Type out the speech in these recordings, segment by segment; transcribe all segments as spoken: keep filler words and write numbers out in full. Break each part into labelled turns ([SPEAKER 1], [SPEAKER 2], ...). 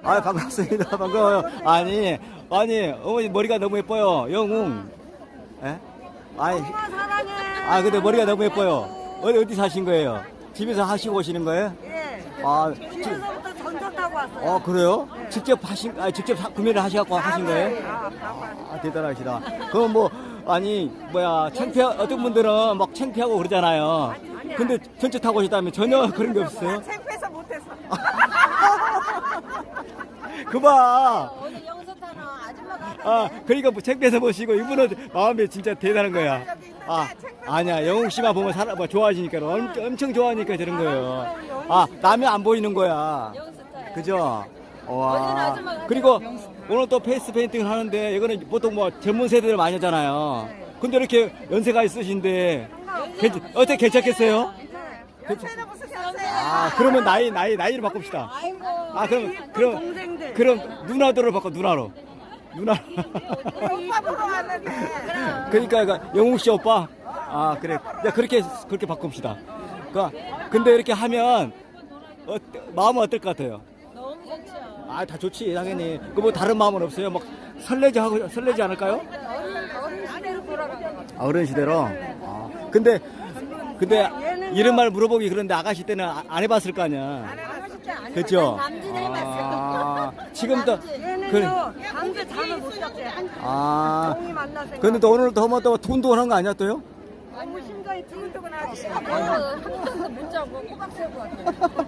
[SPEAKER 1] 아, 반갑습니다. 반가워요. 아니, 아니, 어머니 머리가 너무 예뻐요. 영웅. 예? 아니,
[SPEAKER 2] 엄마 사랑해.
[SPEAKER 1] 아, 근데 머리가 너무 예뻐요. 어디, 어디 사신 거예요? 집에서 하시고 오시는 거예요?
[SPEAKER 2] 예.
[SPEAKER 1] 아, 지,
[SPEAKER 2] 집에서부터 전철 타고 왔어요.
[SPEAKER 1] 어, 그래요? 직접 하신, 아, 직접 사- 구매를 하셔갖고 하신 거예요?
[SPEAKER 2] 아, 봐봐.
[SPEAKER 1] 아, 대단하시다. 그럼 뭐, 아니, 뭐야, 창피, 어떤 분들은 막 창피하고 그러잖아요. 근데 전철 타고 오시다면 전혀 그런 게 없어요?
[SPEAKER 2] 창피해서 못했어.
[SPEAKER 1] 그봐.
[SPEAKER 3] 오늘 영수 타는 아줌마가
[SPEAKER 1] 아, 그러니까 뭐 창피해서 보시고, 이분은 마음이 진짜 대단한 거야. 아, 아니야. 영웅 씨만 보면 사람, 뭐 좋아지니까, 엄, 엄청 좋아하니까 저런 거예요. 아, 남이 안 보이는 거야.
[SPEAKER 3] 영수 타요.
[SPEAKER 1] 그죠? 와.
[SPEAKER 3] 아줌마가
[SPEAKER 1] 그리고 오늘 또 페이스 페인팅을 하는데 이거는 보통 뭐 젊은 세대들 많이 하잖아요. 근데 이렇게 연세가 있으신데 괜찮, 어떻게 괜찮겠어요?
[SPEAKER 2] 연세는 무슨 연세?
[SPEAKER 1] 아, 그러면 나이 나이 나이를 바꿉시다.
[SPEAKER 3] 아이고.
[SPEAKER 1] 아, 그럼 그럼
[SPEAKER 2] 동생들.
[SPEAKER 1] 그럼 누나들을 바꿔 누나로. 누나.
[SPEAKER 2] 오빠 보러 왔는데.
[SPEAKER 1] 그러니까 그 영웅 씨 오빠. 아, 그래. 야, 그렇게 그렇게 바꿉시다. 그 근데 이렇게 하면 어, 마음은 어떨 것 같아요?
[SPEAKER 3] 너무 좋죠.
[SPEAKER 1] 아, 다 좋지, 당연히. 그 뭐 다른 마음은 없어요? 막 설레지 하고 설레지 않을까요?
[SPEAKER 3] 어른 어른 시대로 돌아가는 거.
[SPEAKER 1] 아, 어른 시대로. 아, 근데 근데 이런 말 물어보기 그런데 아가씨 때는 아- 안 해봤을 거 아니야. 그렇죠?
[SPEAKER 3] 남진 해봤어.
[SPEAKER 1] 아, 지금도
[SPEAKER 2] 얘는요,
[SPEAKER 1] 그,
[SPEAKER 2] 밤새 잠을 못 잤대.
[SPEAKER 1] 아,
[SPEAKER 2] 종이 만나 생각.
[SPEAKER 1] 근데 또 오늘 더 뭐 또 돈도 하는 거 아니야 또요?
[SPEAKER 2] 너무 심장이 두근두근하지.
[SPEAKER 3] 한 번도 못 자고 꼬박 세고 왔어요.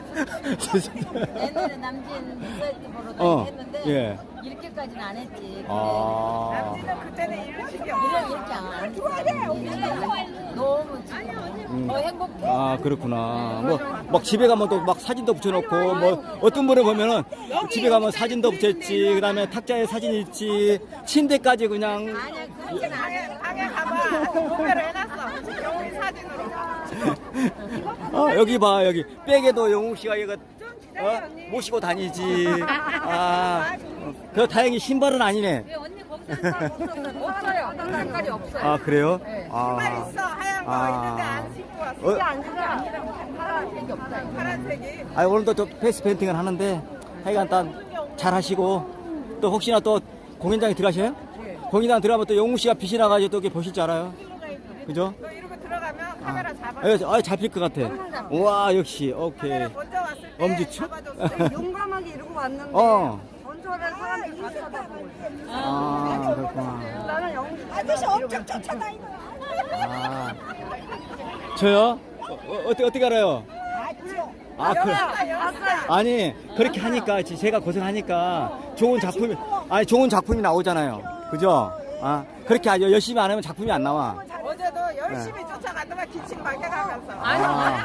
[SPEAKER 3] 옛날에 남진 사이트 보러
[SPEAKER 1] 어,
[SPEAKER 3] 했는데
[SPEAKER 1] 예.
[SPEAKER 3] 이렇게까지는 안 했지. 근데
[SPEAKER 1] 아,
[SPEAKER 2] 그때는 이런 식이
[SPEAKER 3] 이런 이렇게 안 했지. 너무 지금 더 행복해.
[SPEAKER 1] 아, 그렇구나. 뭐 막 집에 가면 또 막 사진도 붙여놓고 뭐 어떤 분을 보면은 집에 가면 사진도 붙였지, 그다음에 탁자에 사진 있지, 침대까지 그냥.
[SPEAKER 3] 아니야 그렇진 않아.
[SPEAKER 2] 방에 가봐. 구매를 해놨어. 영웅이 사진으로.
[SPEAKER 1] 아, 여기 봐, 여기 백에도 영웅 씨가 이거 어? 모시고 다니지. 아, 그 다행히 신발은 아니네.
[SPEAKER 3] 왜 언니 거기서 없어요. 색깔이 없어요.
[SPEAKER 1] 아, 그래요?
[SPEAKER 2] 신발
[SPEAKER 1] 아,
[SPEAKER 2] 있어. 하얀 거
[SPEAKER 1] 아.
[SPEAKER 2] 있는데 안 신고 왔어.
[SPEAKER 1] 어?
[SPEAKER 2] 이게 아니라 아니라 파란색이 없다. 파란색이.
[SPEAKER 1] 아, 오늘도 또 페이스 페인팅을 하는데 하여간 일단 잘 하시고, 또 혹시나 또 공연장에 들어가셔요? 공연장 들어가면 또 영웅 씨가 빛이 나가지고 또 이렇게 보실 줄 알아요. 그죠?
[SPEAKER 2] 너 이러고 들어가면 카메라 잡아.
[SPEAKER 1] 아, 아, 잡힐 것 같아. 우와, 역시 오케이.
[SPEAKER 2] 카메라 먼저 왔을 때
[SPEAKER 1] 엄지척?
[SPEAKER 2] 잡아줬어. 용감하게 이러고 왔는데
[SPEAKER 1] 어.
[SPEAKER 2] 전설의 사람들이 다 쳐다보고 있어.
[SPEAKER 1] 아, 그렇구나.
[SPEAKER 2] 나는 영웅 아저씨 엄청 쫓아다니는
[SPEAKER 1] 아, 저요? 어, 어, 어떻게 어떻게 알아요? 아, 그, 아니 그렇게 하니까 지- 제가 고생하니까 좋은 작품이, 아니 좋은 작품이 나오잖아요. 그죠? 아, 그렇게 아주 열심히 안 하면 작품이 안 나와.
[SPEAKER 2] 어제도 열심히 쫓아가더만 기침 막혀가면서.
[SPEAKER 1] 아,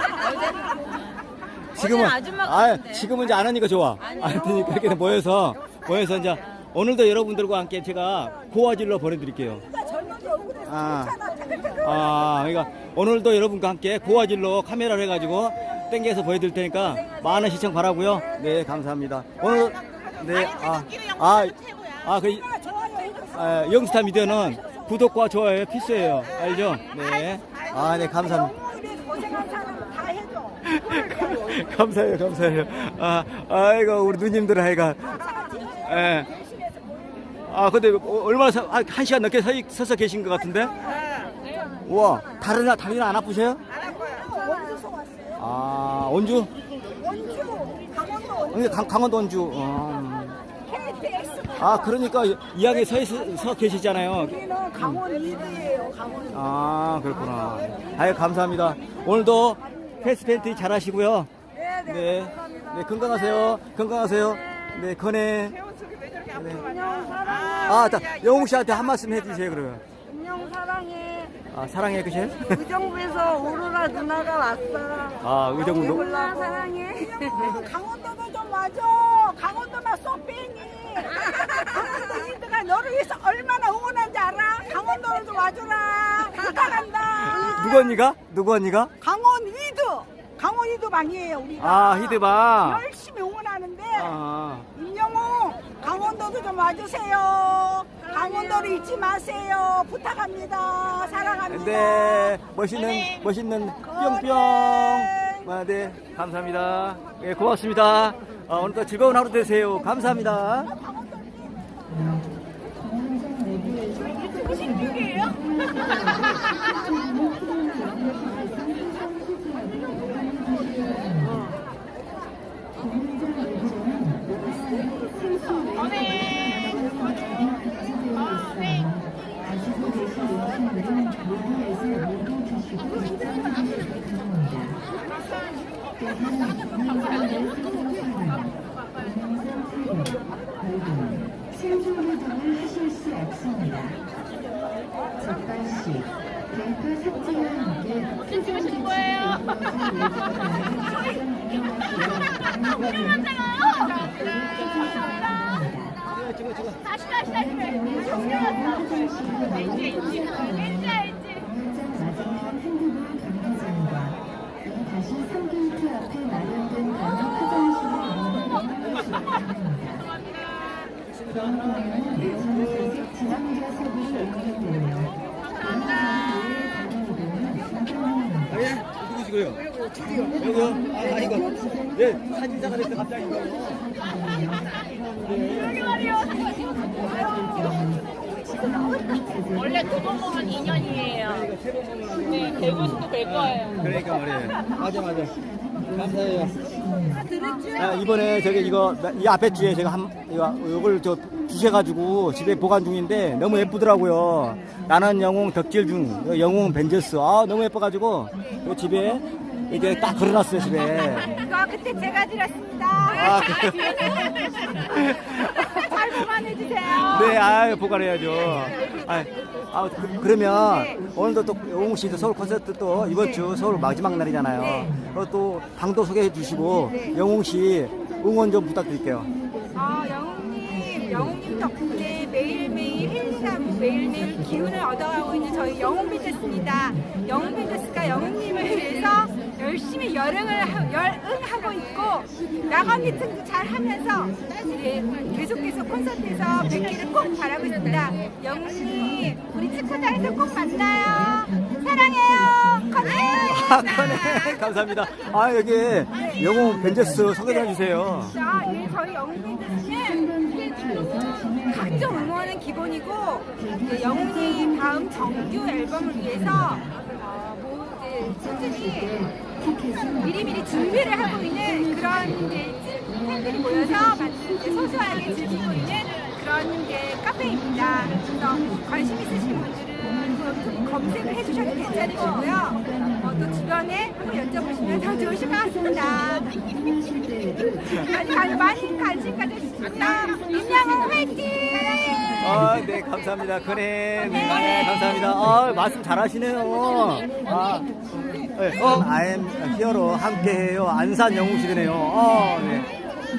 [SPEAKER 1] 지금은
[SPEAKER 3] 아줌마가
[SPEAKER 1] 아,
[SPEAKER 3] 같은데.
[SPEAKER 1] 지금은 이제 안 하니까 좋아. 안 되니까 이렇게 모여서 모여서 이제 오늘도 여러분들과 함께 제가 고화질로 보내드릴게요. 아, 아, 그러니까 오늘도 여러분과 함께 고화질로 카메라를 해가지고 땡겨서 보여드릴 테니까 많은 시청 바라고요. 네, 감사합니다. 오늘 네, 아, 아, 아, 그 아, 영스타 미디어는 구독과 좋아요 필수예요. 알죠? 네, 아, 네, 감사합니다.
[SPEAKER 2] 고생한 사람 다 해줘.
[SPEAKER 1] 감사해요, 감사해요. 아, 아이고, 우리 누님들 하여간. 예. 아, 근데 어, 얼마나, 서, 아, 한 시간 넘게 서, 서서 계신 것 같은데? 우와, 다른, 다리는 안 아프세요? 아, 원주? 원주, 강, 강원도 원주. 어. 아, 그러니까 이야기 서, 있- 서 계시잖아요.
[SPEAKER 2] 우리는 강원 이드예요. 강원.
[SPEAKER 1] 아, 그렇구나. 아유, 감사합니다. 오늘도 페이스 페인팅 잘 하시고요.
[SPEAKER 2] 네, 네.
[SPEAKER 1] 네, 네, 건강하세요. 건강하세요. 네, 건해.
[SPEAKER 2] 왜 저렇게
[SPEAKER 1] 네.
[SPEAKER 2] 앞으로 가냐?
[SPEAKER 1] 아, 자, 영웅 씨한테 한 말씀 해주세요, 그러면.
[SPEAKER 2] 안녕 사랑해.
[SPEAKER 1] 아, 사랑해, 그치?
[SPEAKER 2] 의정부에서 오로라 누나가 왔어.
[SPEAKER 1] 아, 의정부 노-
[SPEAKER 2] 누나 사랑해. 강원도도 좀 와줘. 강원도만 쏘빼니. 강원도 이드가 너를 위해서 얼마나 응원한지 알아? 강원도를 좀 와줘라. 부탁한다.
[SPEAKER 1] 누구 언니가? 누구 언니가?
[SPEAKER 2] 강원 이드. 강원 이드 방이에요 우리가.
[SPEAKER 1] 아, 히드바.
[SPEAKER 2] 열심히 응원하는데
[SPEAKER 1] 아,
[SPEAKER 2] 임영웅 강원도도 좀 와주세요. 강원도를 잊지 마세요. 부탁합니다. 사랑합니다.
[SPEAKER 1] 네, 멋있는, 멋있는 뿅뿅. 네, 아, 네, 감사합니다. 예, 고맙습니다. 아, 오늘도 즐거운 하루 되세요. 감사합니다.
[SPEAKER 4] 신중활동을 하실 수 없습니다. 적발시 데이터 삭제와 함께
[SPEAKER 3] 어떻게 찍으시는 거예요? 다시 다시 다시 왠지 왠지 왠지 알지
[SPEAKER 4] 마지막 핸드볼 경기장과 다시 삼 게이트 앞에 마련된 단독 화장실을 이용하시면 내용은 지상좌석이 운영되며
[SPEAKER 1] 아, 예? 누구시고요? 여기요? 아, 이거. 예, 사진사가 됐어, 갑자기 이거.
[SPEAKER 3] 원래 두 번 먹으면 이 년이에요. 네, 대구시도 될 거예요.
[SPEAKER 1] 그러니까 말이에요. 맞아, 맞아. 감사해요. 아, 이번에 저기 이거 이 앞에 주에 제가 한 이거 이걸 저 주셔가지고 집에 보관 중인데 너무 예쁘더라고요. 나는 영웅 덕질 중 영웅 벤져스. 아 너무 예뻐가지고 이 집에 이게 딱 걸어놨어요 집에.
[SPEAKER 2] 이거 그때 제가 드렸습니다.
[SPEAKER 1] 아, 그래요?
[SPEAKER 2] 잘 보관해주세요.
[SPEAKER 1] 네, 아 보관해야죠. 아, 아 그, 그러면 오늘도 또 영웅 씨도 서울 콘서트 또 이번 주 서울 마지막 날이잖아요. 그리고 또 방도 소개해 주시고 영웅 씨 응원 좀 부탁드릴게요.
[SPEAKER 2] 아, 영웅님, 영웅님 덕분에 매일매일 힐링하고 매일매일 기운을 얻어가고 있는 저희 영웅 벤져스입니다. 영웅 벤져스가 영웅님을 위해서 열심히 열응을 하, 열응하고 있고 야간 미팅도 잘 하면서 예, 계속 계속 콘서트에서 뵙기를 꼭 바라고 있습니다. 영웅님, 우리 축구장에서 꼭 만나요. 사랑해요. 건해요.
[SPEAKER 1] 아, 그네 감사합니다. 아 여기 영웅 벤져스 소개 좀 해주세요.
[SPEAKER 2] 자, 예, 저희 영웅 벤져스는 각종 응원은 기본이고 이제 영웅님 다음 정규 앨범을 위해서 어, 뭐 이제 꾸준히 미리미리 준비를 하고 있는 그런 이제 팬들이 모여서 만든 이제 소소하게 즐기고 있는 그런 이제 카페입니다. 그래서 관심 있으신 분들은 좀 검색을 해주셔도 괜찮을 거고요. 어, 또 주변에 한번 여쭤보시면 더 좋으실 것 같습니다. 많이, 많이, 많이 관심 가져주십니다. 임영웅 화이팅!
[SPEAKER 1] 아, 네, 감사합니다. 그네, 네, 감사합니다. 아, 말씀 잘하시네요. 아, 네, 어, I'm 히어로 함께해요. 안산 영웅시대네요. 아, 네.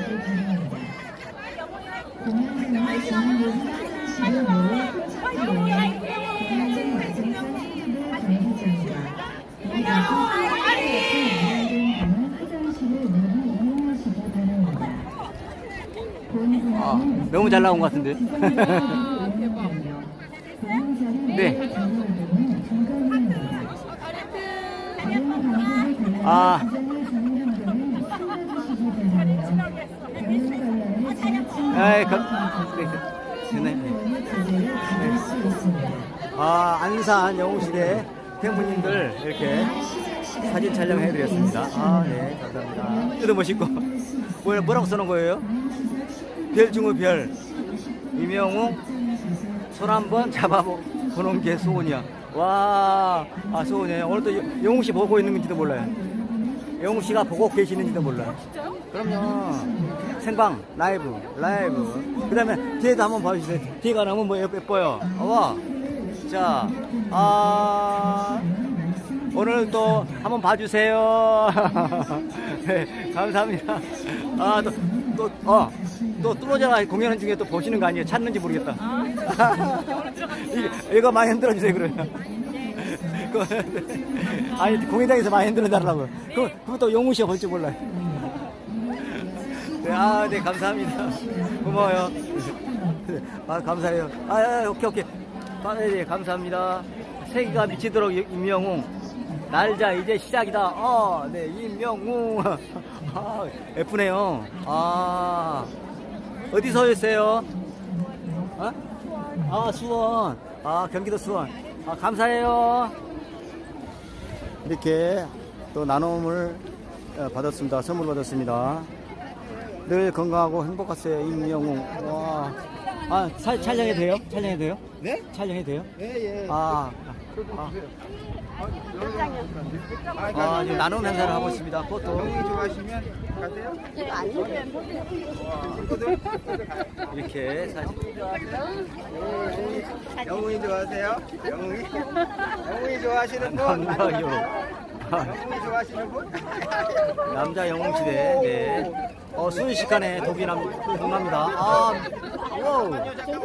[SPEAKER 1] 아, 너무 잘 나온 것 같은데. 네. 아. 아이, 그, 네, 네. 아, 안산 영웅시대 팬분님들 이렇게 사진 촬영해드렸습니다. 아, 네, 감사합니다. 뜯어 보시고. 뭐, 뭐라고 써놓은 거예요? 별 중의 별. 임영웅, 손 한번 잡아보는 게 소원이야. 와, 아, 소원이에요. 오늘 또 영웅씨 보고 있는 건지도 몰라요. 영웅씨가 보고 계시는지도 몰라요. 진짜요? 그럼요. 생방, 라이브, 라이브. 그 다음에 뒤에도 한번 봐주세요. 뒤에가 너무 뭐 예뻐요. 와. 자, 아, 오늘 또 한번 봐주세요. 네, 감사합니다. 아, 또, 또, 어, 또 뚫어져라 공연하는 중에 또 보시는 거 아니에요? 찾는지 모르겠다. 이거, 이거 많이 흔들어주세요, 그러면. 아니, 공연장에서 많이 흔들어달라고. 그럼, 그럼 또 용우 씨가 볼 줄 몰라요. 네, 아, 네, 감사합니다. 고마워요. 아, 감사해요. 아, 아 오케이, 오케이. 아, 네, 감사합니다. 세기가 미치도록 임영웅. 날자 이제 시작이다. 어, 네, 임명웅. 아, 예쁘네요. 아, 어디서 오셨어요? 어? 아, 수원. 아, 경기도 수원. 아, 감사해요. 이렇게 또 나눔을 어, 받았습니다. 선물 받았습니다. 늘 건강하고 행복하세요. 임명웅. 와. 아, 사, 촬영해도 돼요? 촬영해도 돼요?
[SPEAKER 5] 네?
[SPEAKER 1] 촬영해도 돼요?
[SPEAKER 5] 예, 예.
[SPEAKER 1] 아, 아, 아, 지금 나눔 행사를 하고 있습니다. 포토.
[SPEAKER 5] 영웅이 좋아하시면 가세요.
[SPEAKER 1] 이렇게 사진.
[SPEAKER 5] 영웅이 좋아하세요? 영웅이? 영웅이 좋아하시는 분?
[SPEAKER 1] 남자 영웅.
[SPEAKER 5] 영웅이 좋아하시는 분?
[SPEAKER 1] 남자 영웅 시대. 네. 어, 순식간에 독이 남, 동납니다. 아, 와우.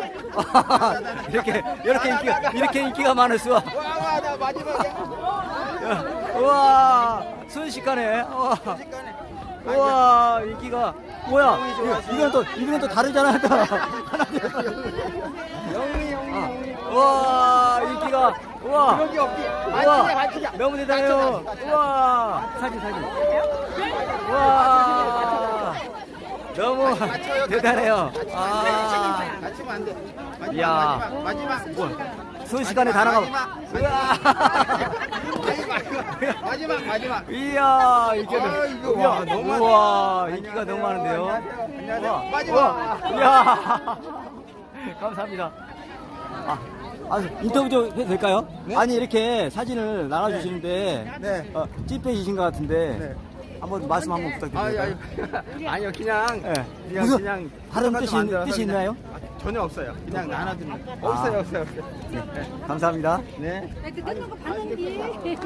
[SPEAKER 1] 이렇게, 이렇게 인기가, 이렇게 인기가 많을 수가.
[SPEAKER 5] 와, 와, 나 마지막에.
[SPEAKER 1] 우와, 순식간에. 우와.
[SPEAKER 5] 순식간에.
[SPEAKER 1] 우와, 인기가. 뭐야? 이거, 이건 또, 이건 또 다르잖아. 또.
[SPEAKER 5] 영웅이, 영웅이,
[SPEAKER 1] 아,
[SPEAKER 5] 영웅이.
[SPEAKER 1] 우와, 인기가. 우와.
[SPEAKER 5] 그런 게 없지.
[SPEAKER 1] 우와,
[SPEAKER 5] 만지자, 만지자.
[SPEAKER 1] 너무 대단해요. 우와, 사진, 사진. 우와, 너무 대단해요. 아,
[SPEAKER 5] 맞추면 안 돼. 마지막,
[SPEAKER 1] 이야.
[SPEAKER 5] 마지막, 마지막.
[SPEAKER 1] 뭐, 순식간에 다 나가고.
[SPEAKER 5] 마지막, 마지막, 마지막.
[SPEAKER 1] 이야, 이게
[SPEAKER 5] 아, 이거
[SPEAKER 1] 우와,
[SPEAKER 5] 와, 너무
[SPEAKER 1] 우와,
[SPEAKER 5] 많네.
[SPEAKER 1] 인기가 너무
[SPEAKER 5] 안녕하세요.
[SPEAKER 1] 많은데요.
[SPEAKER 5] 안녕하세요.
[SPEAKER 1] 우와,
[SPEAKER 5] 마지막.
[SPEAKER 1] 우와, 이야, 감사합니다. 아, 아, 인터뷰 좀 해도 될까요?
[SPEAKER 5] 네?
[SPEAKER 1] 아니, 이렇게 사진을 나눠주시는데,
[SPEAKER 5] 네.
[SPEAKER 1] 어, 찐팬이신 것 같은데,
[SPEAKER 5] 네.
[SPEAKER 1] 한번 말씀 한번
[SPEAKER 5] 아니,
[SPEAKER 1] 부탁드립니다.
[SPEAKER 5] 아니, 아니요, 그냥.
[SPEAKER 1] 예.
[SPEAKER 5] 그냥,
[SPEAKER 1] 무슨
[SPEAKER 5] 그냥.
[SPEAKER 1] 다른
[SPEAKER 5] 똑같이
[SPEAKER 1] 뜻이,
[SPEAKER 5] 만들어서
[SPEAKER 1] 뜻이
[SPEAKER 5] 그냥-
[SPEAKER 1] 있나요?
[SPEAKER 5] 아, 전혀 없어요. 그냥 나눠드는 거.
[SPEAKER 1] 아.
[SPEAKER 5] 없어요, 없어요, 없어요.
[SPEAKER 1] 감사합니다.
[SPEAKER 5] 네.
[SPEAKER 3] 그 뜯는 거 봤는데.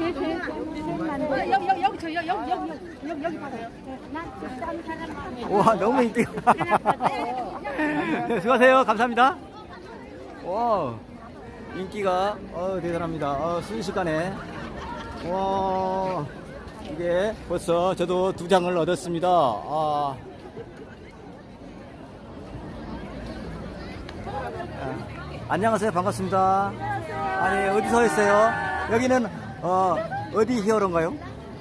[SPEAKER 3] 여기 여기 여기 저 여기 여기 여기 여기 여기 봐요. 난 사람
[SPEAKER 1] 와, 너무 인기가. 네, 수고하세요. 감사합니다. 와, 인기가, 어, 대단합니다. 어, 순식간에. 와, 이게 벌써 저도 두 장을 얻었습니다. 아. 아, 안녕하세요. 반갑습니다. 아니, 어디서 했어요? 여기는, 어, 어디 히어로인가요?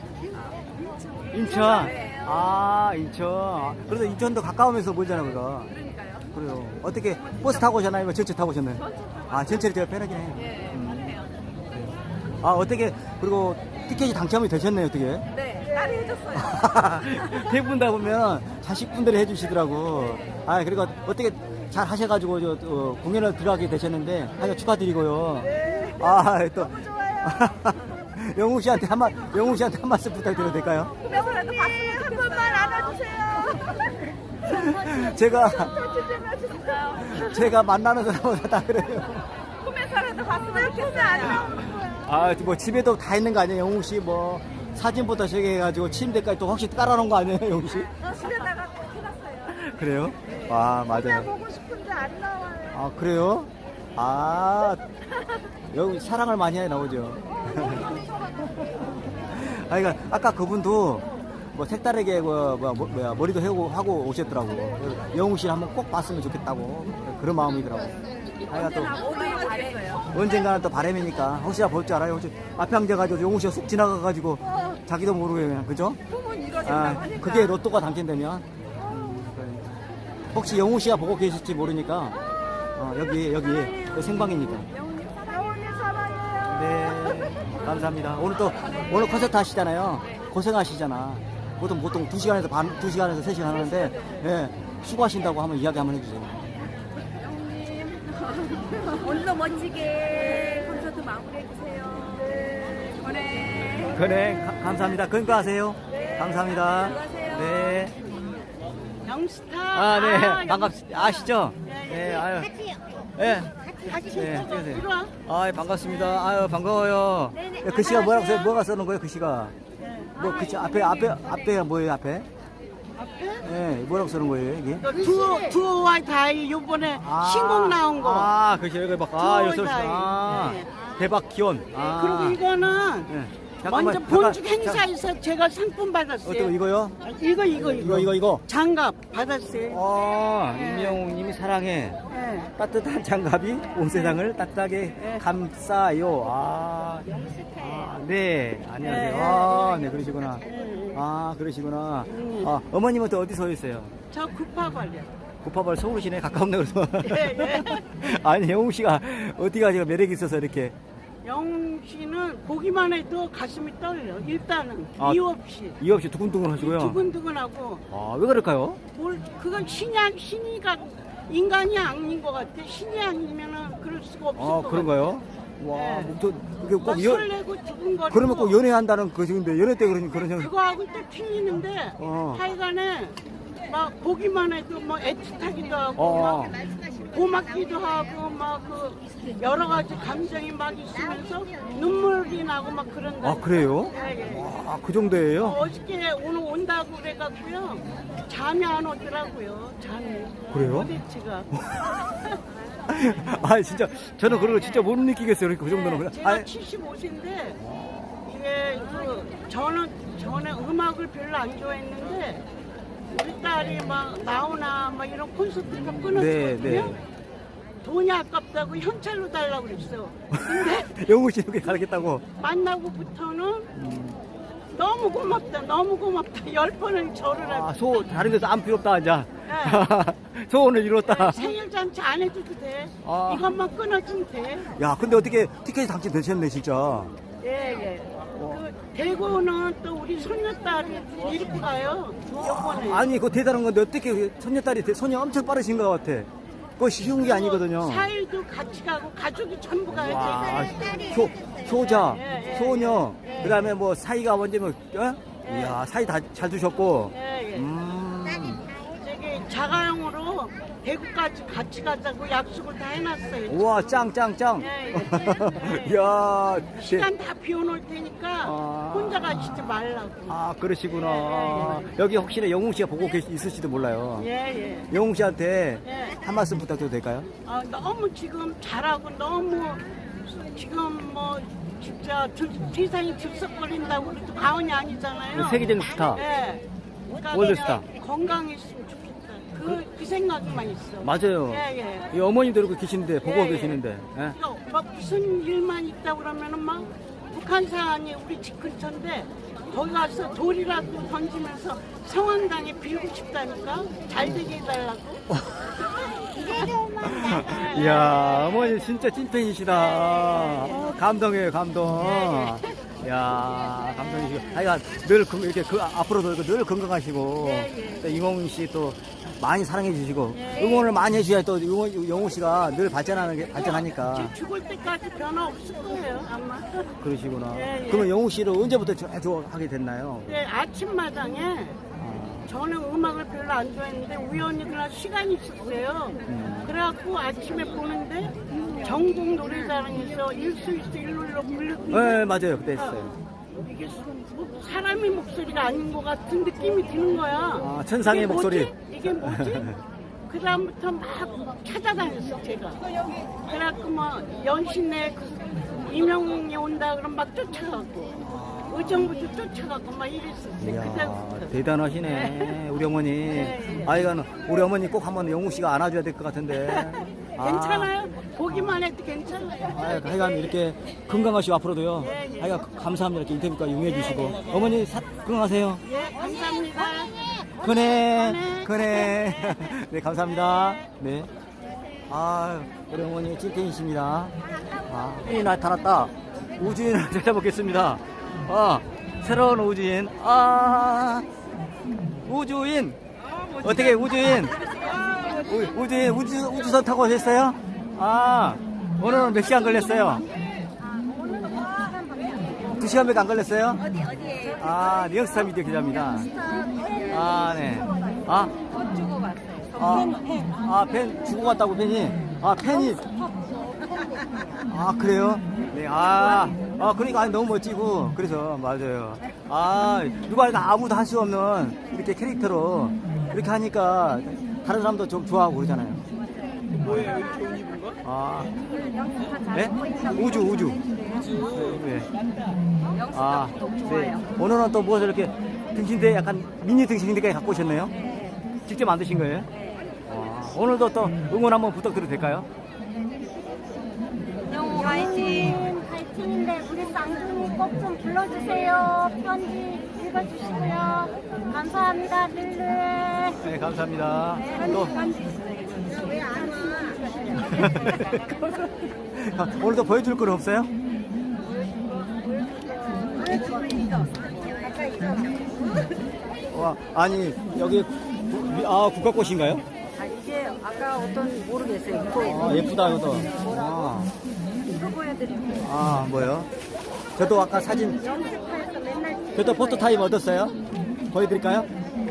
[SPEAKER 1] 인천. 아, 인천. 그래도 인천도 가까우면서 멀잖아요, 그거.
[SPEAKER 3] 그러니까요.
[SPEAKER 1] 그래요. 어떻게 버스 타고 오셨나요? 아니면 전철 타고 오셨나요? 아, 전철이 제가 편하긴 해요.
[SPEAKER 3] 예,
[SPEAKER 1] 음.
[SPEAKER 3] 편해요.
[SPEAKER 1] 아, 어떻게, 그리고 티켓이 당첨이 되셨네요, 어떻게?
[SPEAKER 3] 네, 딸이 해줬어요.
[SPEAKER 1] 대부분 다 보면 자식분들이 해주시더라고. 아, 그리고 어떻게 잘 하셔가지고, 저, 어, 공연을 들어가게 되셨는데, 하여 축하드리고요. 아, 또. 영웅 씨한테 한 말, 영웅 씨한테 한 말씀 부탁드려도 될까요?
[SPEAKER 3] 꿈에서라도 봤으면 한 번만 안아주세요.
[SPEAKER 1] 제가,
[SPEAKER 3] 좀
[SPEAKER 1] 제가 만나는 사람마다 다 그래요.
[SPEAKER 3] 꿈에서라도 봤으면 좋겠어요. 안 나오는 거야.
[SPEAKER 1] 아, 뭐 집에도 다 있는 거 아니에요, 영웅 씨? 뭐 사진부터 시작해가지고 침대까지 또 혹시 깔아놓은 거 아니에요, 영웅 씨?
[SPEAKER 3] 집에다가 해놨어요.
[SPEAKER 1] 그래요? 아, 맞아요.
[SPEAKER 3] 보고 싶은데 안 나와요.
[SPEAKER 1] 아, 그래요? 아, 여기 사랑을 많이 해 나오죠. 아, 그러니까 아까 그분도 뭐 색다르게 뭐, 뭐, 뭐, 뭐야, 머리도 하고, 하고 오셨더라고. 영웅 씨를 한번 꼭 봤으면 좋겠다고 그런 마음이더라고. 아이가 또
[SPEAKER 3] 모두 잘했어요.
[SPEAKER 1] 언젠가는 또 바람이니까 혹시나 볼 줄 알아요. 혹시 앞에 앉아가지고 영웅 씨가 쑥 지나가가지고 자기도 모르게 그냥 그죠?
[SPEAKER 3] 꿈은 이뤄진다고
[SPEAKER 1] 아,
[SPEAKER 3] 하니까.
[SPEAKER 1] 그게 로또가 당첨되면 음, 그러니까. 혹시 영웅 씨가 보고 계실지 모르니까 어, 여기 여기 생방이니까.
[SPEAKER 3] 영웅님 사랑해요.
[SPEAKER 1] 네, 감사합니다. 오늘 또 오늘 콘서트 하시잖아요. 고생하시잖아. 보통 보통 두 시간에서 반, 두 시간에서 세 시간 하는데 예, 수고하신다고 한번 이야기 한번 해주세요.
[SPEAKER 3] 오늘도 멋지게 콘서트 마무리해주세요. 네. 그래.
[SPEAKER 1] 그래, 가- 감사합니다. 건강하세요. 감사합니다. 네.
[SPEAKER 3] 영스타.
[SPEAKER 1] 아, 네. 반갑습니다. 아시죠? 네, 아유. 네. 네, 찍으세요. 아, 반갑습니다. 아유, 반가워요. 야, 글씨가 뭐라고 써요? 뭐가 써놓은 거예요, 글씨가? 뭐, 글씨 앞에, 앞에, 앞에가 뭐예요, 앞에? 네, 뭐라고 써놓은 거예요, 이게?
[SPEAKER 6] 투어, 투어와 다이 요번에
[SPEAKER 1] 아,
[SPEAKER 6] 신곡 나온 거.
[SPEAKER 1] 아, 글씨 여기 막, 아,
[SPEAKER 6] 투어와
[SPEAKER 1] 여기 써
[SPEAKER 6] 다이.
[SPEAKER 1] 아,
[SPEAKER 6] 네.
[SPEAKER 1] 대박 기원. 아.
[SPEAKER 6] 그리고 이거는
[SPEAKER 1] 네.
[SPEAKER 6] 먼저
[SPEAKER 1] 잠깐만,
[SPEAKER 6] 본죽
[SPEAKER 1] 잠깐,
[SPEAKER 6] 행사에서 제가 상품 받았어요.
[SPEAKER 1] 어떤 거, 이거요?
[SPEAKER 6] 이거 이거
[SPEAKER 1] 이거, 이거, 이거.
[SPEAKER 6] 장갑 받았어요.
[SPEAKER 1] 아,
[SPEAKER 6] 네.
[SPEAKER 1] 임영웅님이 사랑해.
[SPEAKER 6] 예.
[SPEAKER 1] 따뜻한 장갑이 온 세상을 따뜻하게
[SPEAKER 6] 네.
[SPEAKER 1] 감싸요. 아, 아, 네. 안녕하세요.
[SPEAKER 6] 네.
[SPEAKER 1] 아, 네, 그러시구나.
[SPEAKER 6] 네.
[SPEAKER 1] 아, 그러시구나.
[SPEAKER 6] 음.
[SPEAKER 1] 아, 어머님한테 어디서 오셨어요?
[SPEAKER 6] 저 구파발이요.
[SPEAKER 1] 구파발 서울시내 가깝네, 그래서.
[SPEAKER 6] 예, 예.
[SPEAKER 1] 아니, 영웅 씨가 어디가 제가 매력이 있어서 이렇게.
[SPEAKER 6] 영웅 씨는 보기만 해도 가슴이 떨려. 일단은
[SPEAKER 1] 아,
[SPEAKER 6] 이유 없이
[SPEAKER 1] 이유 없이 두근두근 하시고요.
[SPEAKER 6] 두근두근하고
[SPEAKER 1] 아, 왜 그럴까요?
[SPEAKER 6] 뭘 그건 신이 아니- 신이가 인간이 아닌 것 같아. 신이 아니면은 그럴 수가 없을
[SPEAKER 1] 아,
[SPEAKER 6] 것 같아.
[SPEAKER 1] 그런가요? 와,
[SPEAKER 6] 네.
[SPEAKER 1] 뭐 저, 이게
[SPEAKER 6] 막
[SPEAKER 1] 꼭 연,
[SPEAKER 6] 설레고 두근거리고.
[SPEAKER 1] 그러면 꼭 연애한다는 것인데, 연애 때 그런, 그런, 형-
[SPEAKER 6] 그거하고 또 틀리는데
[SPEAKER 1] 어.
[SPEAKER 6] 하여간에 막 보기만 해도 뭐 애틋하기도 하고
[SPEAKER 1] 어.
[SPEAKER 6] 막 고맙기도 하고 막 그 여러 가지 감정이 막 있으면서 눈물이 나고 막 그런다.
[SPEAKER 1] 아, 그래요?
[SPEAKER 6] 예, 예.
[SPEAKER 1] 아, 그 정도예요?
[SPEAKER 6] 어저께 오늘 온다고 그래갖고요 잠이 안 오더라고요. 잠이.
[SPEAKER 1] 그래요?
[SPEAKER 6] 도대체가.
[SPEAKER 1] 아, 진짜, 저는 그런 거 진짜 못 느끼겠어요. 그러니까 그 정도는. 그냥.
[SPEAKER 6] 제가
[SPEAKER 1] 아,
[SPEAKER 6] 칠십오 세인데 이게 그 저는 전에 음악을 별로 안 좋아했는데 우리 딸이 막 나오나 막 이런 콘서트가 끊어지거든요.
[SPEAKER 1] 네, 네.
[SPEAKER 6] 돈이 아깝다고 현찰로 달라고 그랬어. 근데
[SPEAKER 1] 영웅 씨 이렇게 가르겠다고.
[SPEAKER 6] 만나고부터는 너무 고맙다, 너무 고맙다. 열 번을 절을 하고.
[SPEAKER 1] 아, 소, 다른 데서 안 필요 없다, 이제.
[SPEAKER 6] 네.
[SPEAKER 1] 소원을 이뤘다.
[SPEAKER 6] 생일 잔치 안 해줘도 돼.
[SPEAKER 1] 아.
[SPEAKER 6] 이것만 끊어주면 돼.
[SPEAKER 1] 야, 근데 어떻게 티켓이 당첨되셨네, 진짜.
[SPEAKER 6] 예, 예. 그 대구는 또 우리 손녀딸이 이렇게 가요. 요번에.
[SPEAKER 1] 아니, 그거 대단한 건데 어떻게 그 손녀딸이, 대- 손이 엄청 빠르신 것 같아. 그거 쉬운 게 아니거든요.
[SPEAKER 6] 사 일도 같이 가고 가족이 전부 가야
[SPEAKER 1] 와,
[SPEAKER 6] 돼.
[SPEAKER 1] 효, 효자,
[SPEAKER 6] 예, 예,
[SPEAKER 1] 소녀,
[SPEAKER 6] 예.
[SPEAKER 1] 그 다음에 뭐 사이가 먼저 뭐, 어?
[SPEAKER 6] 예.
[SPEAKER 1] 이야, 사이 다 잘 두셨고.
[SPEAKER 6] 예, 예.
[SPEAKER 1] 음.
[SPEAKER 6] 저기 자가용으로 대구까지 같이 가자고 약속을 다 해놨어요.
[SPEAKER 1] 우와, 짱, 짱, 짱.
[SPEAKER 6] 예, 예.
[SPEAKER 1] 이야,
[SPEAKER 6] 시간 다 비워놓을 테니까
[SPEAKER 1] 아.
[SPEAKER 6] 혼자 가시지 말라고.
[SPEAKER 1] 아, 그러시구나. 여기 혹시나 영웅 씨가 보고 계시, 있을지도 몰라요.
[SPEAKER 6] 예, 예.
[SPEAKER 1] 영웅 씨한테
[SPEAKER 6] 예.
[SPEAKER 1] 한 말씀 부탁드려도 될까요?
[SPEAKER 6] 아, 너무 지금 잘하고 너무 지금 뭐 진짜 들, 세상이 들썩거린다고 그래도 과언이 아니잖아요.
[SPEAKER 1] 세계적인 스타.
[SPEAKER 6] 예. 그러니까
[SPEAKER 1] 월드
[SPEAKER 6] 그냥
[SPEAKER 1] 스타.
[SPEAKER 6] 건강했으면 좋겠다. 그, 그 생각만 있어.
[SPEAKER 1] 맞아요.
[SPEAKER 6] 예, 예.
[SPEAKER 1] 이 어머님도 그렇게 계시는데, 보고
[SPEAKER 6] 예, 예.
[SPEAKER 1] 계시는데. 예?
[SPEAKER 6] 그러니까 막 무슨 일만 있다 그러면은 막 북한산이 우리 집 근처인데 거기 가서 돌이라도 던지면서 성황당에 빌고 싶다니까 잘 되게 해달라고.
[SPEAKER 1] 이야, 어머니 진짜 찐팬이시다. 감동이에요, 감동. 이야, 감동이시고. 하여간 늘 건- 이렇게 그 앞으로도 늘 건강하시고.
[SPEAKER 6] 예, 예.
[SPEAKER 1] 또 이몽 씨 또 많이 사랑해 주시고.
[SPEAKER 6] 예.
[SPEAKER 1] 응원을 많이 해주셔야 또 영호, 영호 씨가 늘 발전하는 게, 발전하니까.
[SPEAKER 6] 제 죽을 때까지 변화 없을 거예요 아마.
[SPEAKER 1] 그러시구나.
[SPEAKER 6] 예, 예.
[SPEAKER 1] 그러면 영호 씨를 언제부터 쭉 하게 됐나요?
[SPEAKER 6] 근데 아침마당에
[SPEAKER 1] 아,
[SPEAKER 6] 저는 음악을 별로 안 좋아했는데 우연히 그날 시간이 있었어요.
[SPEAKER 1] 음.
[SPEAKER 6] 그래갖고 아침에 보는데 전국 노래자랑에서 일수일수 일룰로 불렀는데
[SPEAKER 1] 네, 맞아요. 그때 했어요.
[SPEAKER 6] 이게 뭐 사람의 목소리가 아닌 것 같은 느낌이 드는 거야.
[SPEAKER 1] 아, 천상의
[SPEAKER 6] 이게
[SPEAKER 1] 목소리.
[SPEAKER 6] 뭐지? 이게 뭐지? 그 다음부터 막 찾아다녔어 제가. 그래갖고 뭐 연신내 그 이명웅이 온다 그럼 막 쫓아가고 의정부도 쫓아가고 막 이랬었어요.
[SPEAKER 1] 이야,
[SPEAKER 6] 그때부터.
[SPEAKER 1] 대단하시네, 우리 어머니.
[SPEAKER 6] 네.
[SPEAKER 1] 아이가는 우리 어머니 꼭 한번 영웅 씨가 안아줘야 될 것 같은데. 아,
[SPEAKER 6] 괜찮아요? 보기만 해도 괜찮아요.
[SPEAKER 1] 아, 하여간 이렇게 건강하시고 앞으로도요.
[SPEAKER 6] 예, 예.
[SPEAKER 1] 하여간 감사합니다. 이렇게 인터뷰까지 응해주시고.
[SPEAKER 6] 예, 예.
[SPEAKER 1] 어머니 사, 건강하세요.
[SPEAKER 6] 예, 감사합니다.
[SPEAKER 1] 그래,
[SPEAKER 6] 그래.
[SPEAKER 1] 그래. 네, 감사합니다. 네. 아, 우리 어머니 찐팬이십니다. 아, 이 나타났다. 우주인을 찾아보겠습니다. 아, 새로운 우주인. 아, 우주인. 어떻게 우주인? 우, 우주인 우주, 우주선 타고 오셨어요? 아, 오늘은 몇 시간 걸렸어요? 두 시간밖에 안 걸렸어요? 어디, 어디에요? 아, 뉴욕스타 미디어 기자입니다. 아, 네. 아, 주고 갔어요. 아, 아, 펜 주고 갔다고 펜이? 아, 펜이. 아, 그래요? 네, 아, 아, 그러니까 아니, 너무 멋지고, 그래서, 맞아요. 아, 누가 이렇게 아무도 할 수 없는 이렇게 캐릭터로 이렇게 하니까 다른 사람도 좀 좋아하고 그러잖아요.
[SPEAKER 5] 뭐예요? 이렇게 옷 입은 거?
[SPEAKER 1] 아,
[SPEAKER 3] 영수가 잘
[SPEAKER 1] 네?
[SPEAKER 3] 먹고 있다고.
[SPEAKER 1] 우주, 우주. 네. 아, 네. 오늘은 또 무엇을 이렇게 등신대 약간 미니 등신대까지 갖고 오셨네요? 직접 만드신 거예요? 아, 오늘도 또 응원 한번 부탁드려도 될까요?
[SPEAKER 3] 영호 화이팅! 화이팅인데 우리 쌍둥이 꼭 좀 불러주세요. 편지 읽어주시고요. 감사합니다, 늘늘.
[SPEAKER 1] 네, 감사합니다. 또 오늘도 보여줄 건 없어요? 와, 아니 여기 구- 아 국화꽃인가요?
[SPEAKER 3] 아, 이게 아까 어떤 모르겠어요. 이거
[SPEAKER 1] 아, 예쁘다 이것도. 아,
[SPEAKER 3] 이거 보여드릴게요.
[SPEAKER 1] 아 뭐요? 저도 아까 사진,
[SPEAKER 3] 연습해서 맨날
[SPEAKER 1] 저도 포토 타임 얻었어요. 보여드릴까요?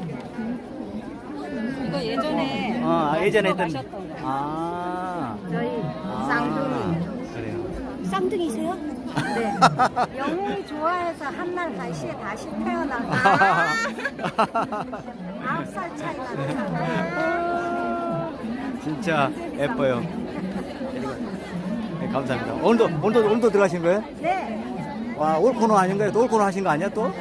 [SPEAKER 3] 이거 예전에
[SPEAKER 1] 아, 예전에 했던.
[SPEAKER 3] 하셨던 거.
[SPEAKER 1] 아,
[SPEAKER 3] 저희
[SPEAKER 1] 아,
[SPEAKER 3] 쌍둥이.
[SPEAKER 1] 그래요.
[SPEAKER 3] 쌍둥이세요? 네. 영웅이 좋아해서 한날 다시에 다시 태어나고 아홉 살 차이 나요.
[SPEAKER 1] 진짜 예뻐요. 네, 감사합니다. 오늘도 오늘도 오늘도 들어가신 거예요?
[SPEAKER 3] 네.
[SPEAKER 1] 와, 올 코너 아닌가요? 또 올 코너 하신 거 아니야 또?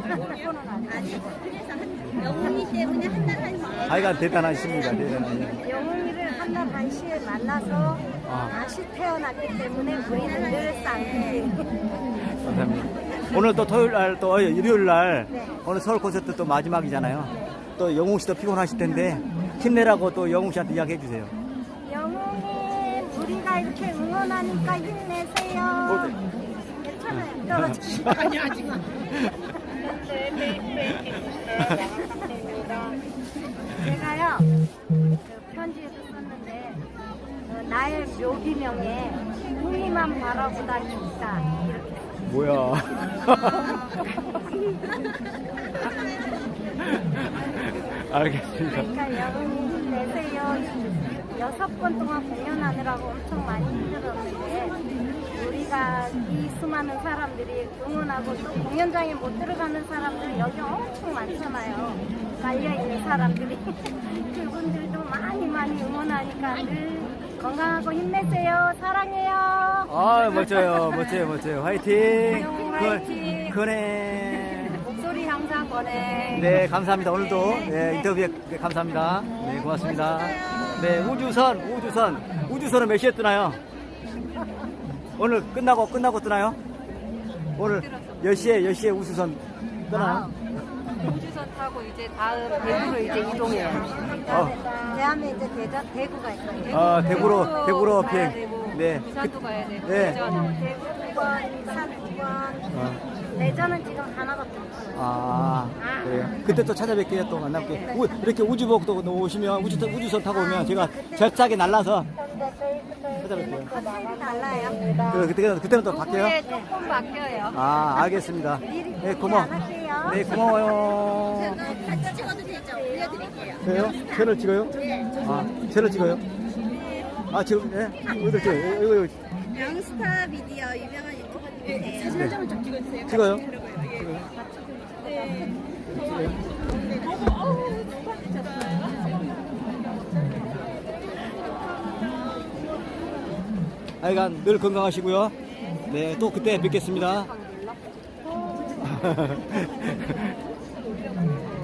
[SPEAKER 3] 영웅이 때문에 한날 한시
[SPEAKER 1] 아이가 대단하십니다. 대단하십니다.
[SPEAKER 3] 영웅이를 한날 한시에 만나서
[SPEAKER 1] 아.
[SPEAKER 3] 다시 태어났기 때문에 우리는 늘 쌍둥이.
[SPEAKER 1] 감사합니다. 오늘 또 토요일 날, 또 어, 일요일 날,
[SPEAKER 3] 네.
[SPEAKER 1] 오늘 서울 콘서트 또 마지막이잖아요. 또 영웅 씨도 피곤하실 텐데 힘내라고 또 영웅 씨한테 이야기해 주세요.
[SPEAKER 3] 영웅이 우리가 이렇게 응원하니까 힘내세요. 괜찮아요. 떨어지지.
[SPEAKER 6] 아니 아직
[SPEAKER 3] 제가요 그 편지에서 썼는데 어, 나의 묘기명에 흥이만 바라보다 죽다 이렇게.
[SPEAKER 1] 뭐야? 알겠습니다.
[SPEAKER 3] 그러니까 영웅이 힘내세요. 여섯 번 동안 공연하느라고 엄청 많이 힘들었는데 우리가 이 수많은 사람들이 응원하고 또 공연장에 못 들어가는 사람들 여기 엄청 많잖아요. 깔려있는 사람들이 그분들도 많이 많이 응원하니까 늘 건강하고 힘내세요. 사랑해요.
[SPEAKER 1] 아, 멋져요. 멋져요. 멋져요. 화이팅!
[SPEAKER 3] 영웅 화이팅!
[SPEAKER 1] 그네.
[SPEAKER 3] 목소리 항상 권해.
[SPEAKER 1] 네, 감사합니다. 오늘도 네, 인터뷰에 네, 감사합니다. 네, 고맙습니다. 네, 우주선, 우주선. 우주선은 몇 시에 뜨나요? 오늘 끝나고, 끝나고 뜨나요? 오늘 몇 시에, 몇 시에 우주선 뜨나요?
[SPEAKER 3] 우주선 타고 이제 다음 대구로 이제 이동해요.
[SPEAKER 1] 어.
[SPEAKER 3] 대한에 이제 대전 대구가 있어요.
[SPEAKER 1] 아, 대구로, 대구로
[SPEAKER 3] 가야
[SPEAKER 1] 비행.
[SPEAKER 3] 되고,
[SPEAKER 1] 네.
[SPEAKER 3] 부산도 가야 되고.
[SPEAKER 1] 네.
[SPEAKER 3] 대전, 대구 두 번, 인산 두 번.
[SPEAKER 1] 어.
[SPEAKER 3] 대전은 지금 하나밖에 없어요.
[SPEAKER 1] 아, 그래요. 그때 또 찾아뵐게요. 또 만나볼게요. 우- 이렇게 우주복도 오시면, 우주, 우주선 타고 오면 제가 절삭에 날라서 찾아뵐게요.
[SPEAKER 3] 확실히 달라요.
[SPEAKER 1] 그, 그때, 그때는 또 바뀌어요?
[SPEAKER 3] 네, 조금 바뀌어요.
[SPEAKER 1] 아, 알겠습니다. 네, 고마워. 네, 고마워요.
[SPEAKER 3] 같이 찍어도 되죠? 올려드릴게요.
[SPEAKER 1] 그래요? 채널 찍어요? 아, 채널 찍어요? 아, 지금, 예? 어디 찍어요? 이거, 이거.
[SPEAKER 3] 영스타 미디어 유명한 유튜버님이세요. 사진 한 장만 좀 찍어주세요.
[SPEAKER 1] 찍어요? 하여간 늘 건강하시고요. 네, 또 그때 뵙겠습니다.